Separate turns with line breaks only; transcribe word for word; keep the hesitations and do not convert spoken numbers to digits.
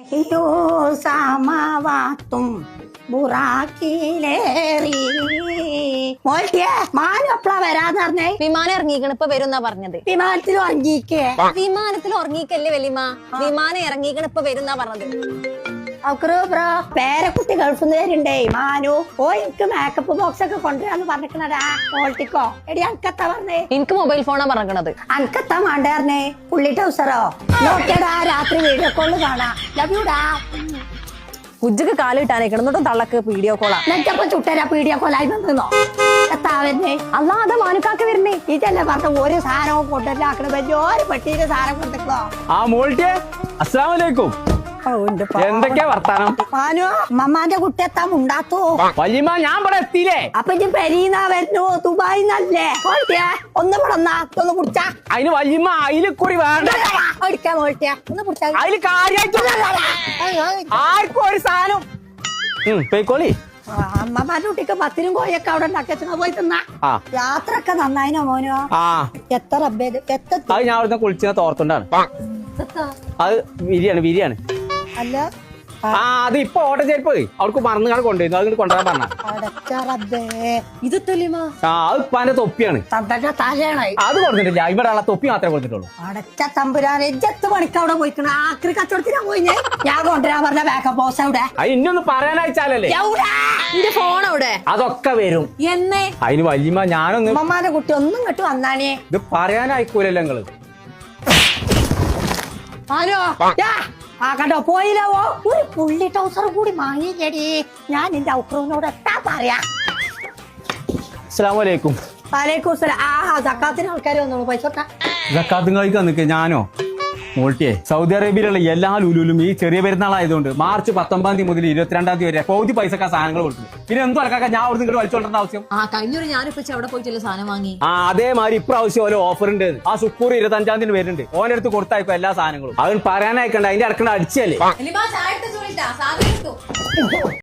അയ്യോ സാമാവാത്തും ബുറാക്കിലേറി മോൾട്ടിയെ മാനം എപ്പളാ വരാന്ന് പറഞ്ഞേ?
വിമാനം ഇറങ്ങിക്കണ ഇപ്പൊ വരുന്നാ പറഞ്ഞത്.
വിമാനത്തിൽ ഉറങ്ങിക്കേ?
വിമാനത്തിൽ ഉറങ്ങിക്കല്ലേ വലിയമ്മ, വിമാനം ഇറങ്ങിക്കണ ഇപ്പൊ വരുന്നാ പറഞ്ഞത്.
ബ്രോ പേരക്കുട്ടി ഗൾഫിൽ നിന്ന് വരുണ്ടേ മാനു. ഓ എനിക്ക് മേക്കപ്പ് ബോക്സ് ഒക്കെ കൊണ്ടുവരാന്ന് പറഞ്ഞിക്കണടാ. മോൾട്ടിക്കോ എടി അനക്കത്താ പറഞ്ഞേ?
എനിക്ക് മൊബൈൽ ഫോണാ പറഞ്ഞത്.
അനക്കത്താ മാണ്ടായിരുന്നേ? പുള്ളി ടൗസറോ? നോക്കിയടാ രാത്രി വീഡിയോ കോള് കാണാ. ലവ് യുടാ.
കുജ്ജക്ക് കാലിട്ടാനേക്കണം എന്നിട്ടും തള്ളക്ക് വീഡിയോ കോളാ.
നെറ്റപ്പം ചുട്ടരാ വീഡിയോ കോളായി വന്നോ? എത്താവന്നെ
അല്ലാതെ മാനുക്കാക്ക് വരുന്നേ.
ഇതല്ലേ പറഞ്ഞ ഒരു സാധനവും കൊണ്ടുവരാക്കണ വലിയൊരു പെട്ടിയിലെ സാധനം കൊണ്ടിട്ടോ.
ആ മോൾട്ടിയെ അസ്സലാമു അലൈക്കും. എന്തൊക്കെയാ വർത്താനം?
മാനു മമ്മാന്റെ കുട്ടി എത്താൻ ഉണ്ടാത്തോ?
വല്യമ്മ ഞാൻ ഇവിടെ എത്തിയില്ലേ?
അപ്പൊ ഇജ്ജ് പെരീന്നാ വരുന്നു ദുബായിന്നല്ലേ? മോൾട്ടിയെ ഒന്ന് വിടന്നാ ഒന്ന് കുടിച്ചാ.
അതിന് വല്യമ്മ അയില് കുറി വേണ്ട.
അടിക്കാ മോൾട്ടിയെ ഒന്ന് കുടിച്ചാ.
അതില് കാര്യായിട്ട് ആർക്കും ഒരു സാധനം പേക്കോളി.
അമ്മമാരുടെ കുട്ടിക്ക് പത്തിനും കോയൊക്കെ അവിടെ ഉണ്ടാക്കിയ പോയി തിന്നാ. യാത്ര ഒക്കെ നന്നായിനോ മോനോ?
ആ
എത്ര എത്ര
അത് ഞാൻ അവിടുന്ന് കുളിച്ച തോർത്തുണ്ടാണ്. അത് വിരിയാണ് വിരിയാണ്.
അല്ല
ആ അത് ഇപ്പൊ ഓട്ട ചെരുപ്പ് അവർക്ക് മറന്നു കാണാൻ കൊണ്ടുവരുന്നു. അത് കൊണ്ടുവരാൻ പറഞ്ഞ
ഇത് തെളിമാ.
ആ അത് ഇപ്പാന്റെ തൊപ്പിയാണ്.
തലയാണായി
അത് കൊടുത്തിട്ടില്ല. ഇവിടെ ഉള്ള തൊപ്പി മാത്രമേ കൊടുത്തിട്ടുള്ളൂ.
അടച്ച തമ്പുരാനെ എത്ത് പണിക്ക് അവിടെ പോയിക്കണ ആക്രി കച്ചവടത്തിനാ പോയി. ഞാൻ കൊണ്ടുവരാൻ പറഞ്ഞ ബാക്കപ്പ് ബോസ് അവിടെ.
അത് ഇന്നൊന്ന് പറയാനയച്ചാലല്ലേ.
എന്റെ ഫോൺ അവിടെ.
അതൊക്കെ വരും
എന്നേ.
അതിന് വല്യമ്മ ഞാനൊന്ന്
അമ്മമാരുടെ കുട്ടി ഒന്നും ഇങ്ങോട്ട് വന്നാണേ.
ഇത് പറയാനായിക്കൂലല്ലോ നിങ്ങള്.
ഹലോ ആ കണ്ടോ പോയില്ലവോ? ഒരു പുള്ളി ടൗസർ കൂടി വാങ്ങിക്കടി. ഞാൻ നിന്റെ ഔക്രൂനോട് എത്താ പറയാ.
അസ്സലാമു അലൈക്കും.
വലൈക്കും സലാം. ആ സക്കാത്തിന് ആൾക്കാർ വന്നോളൂ. പൈസ
സക്കാത്തും കഴിക്കാൻ നിൽക്കുക. ഞാനോ മോൾട്ടിയെ സൗദി അറേബ്യയിലുള്ള എല്ലാ ലുലുലും ഈ ചെറിയ പെരുന്നാളായതുകൊണ്ട് മാർച്ച് പത്തൊമ്പതാം തീയതി മുതൽ ഇരുപത്തിരണ്ടാം തീയതി വരെ പൗതി പൈസക്കാ സാധനങ്ങൾ കൊടുക്കുന്നു. പിന്നെ എന്തും അടക്കാക്ക ഞാൻ അവിടെ നിങ്ങൾ വലിച്ചോണ്ടേണ്ട ആവശ്യം?
ആ കഴിഞ്ഞൊരു ഞാനിപ്പോ അവിടെ പോയിട്ടല്ലേ സാധനം വാങ്ങി.
ആ അതേമാതിരി ഇപ്രാവശ്യം ഓരോ ഓഫർ ഉണ്ട്. ആ സുക്കൂർ ഇരുപത്തഞ്ചാം തീയതി വരുന്നുണ്ട്. ഓനെടുത്ത് കൊടുത്തായിപ്പോ എല്ലാ സാധനങ്ങളും. അവൻ പറയാനായിക്കണ്ട അതിന്റെ അടക്കണ്ട അടിച്ചല്ലേ.